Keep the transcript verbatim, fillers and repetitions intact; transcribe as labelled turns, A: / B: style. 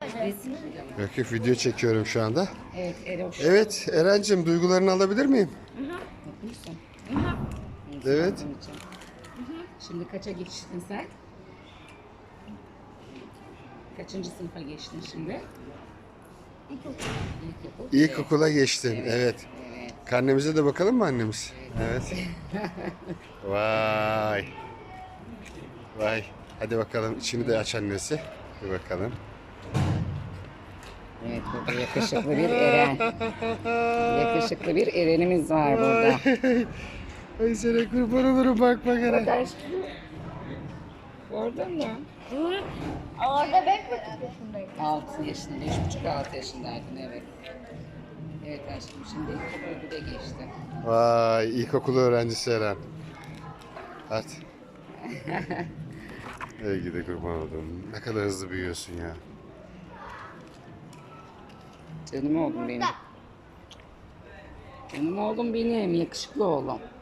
A: Resim.
B: Yok yok, video çekiyorum şu anda.
A: Evet, Eroş.
B: Evet Eren'cim, duygularını alabilir miyim?
A: Mutluysun.
B: Evet.
A: Şimdi kaça geçtin sen? Kaçıncı sınıfa geçtin şimdi? İlkokul.
B: İlkokula geçtin. Evet.
A: Evet.
B: Karnemize de bakalım mı annemiz? Evet. Vay. Vay. Hadi bakalım, içini de aç annesi. Bir bakalım.
A: Evet, burada yakışıklı bir Eren. Yakışıklı bir Eren'imiz var burada.
B: Ay sana kurban olurum, bak bak Eren.
A: Aşkım. Gördün mü?
C: Orada ben kaç yaşındayım?
A: altı yaşında, beş buçuk altı yaşındaydın, evet. Evet aşkım, şimdi ilkokul bire geçti.
B: Vay, ilkokul öğrencisi Eren. Hadi. Ey gidi kurban oldum. Ne kadar hızlı büyüyorsun ya.
A: Canım oğlum benim. Canım oğlum benim, yakışıklı oğlum.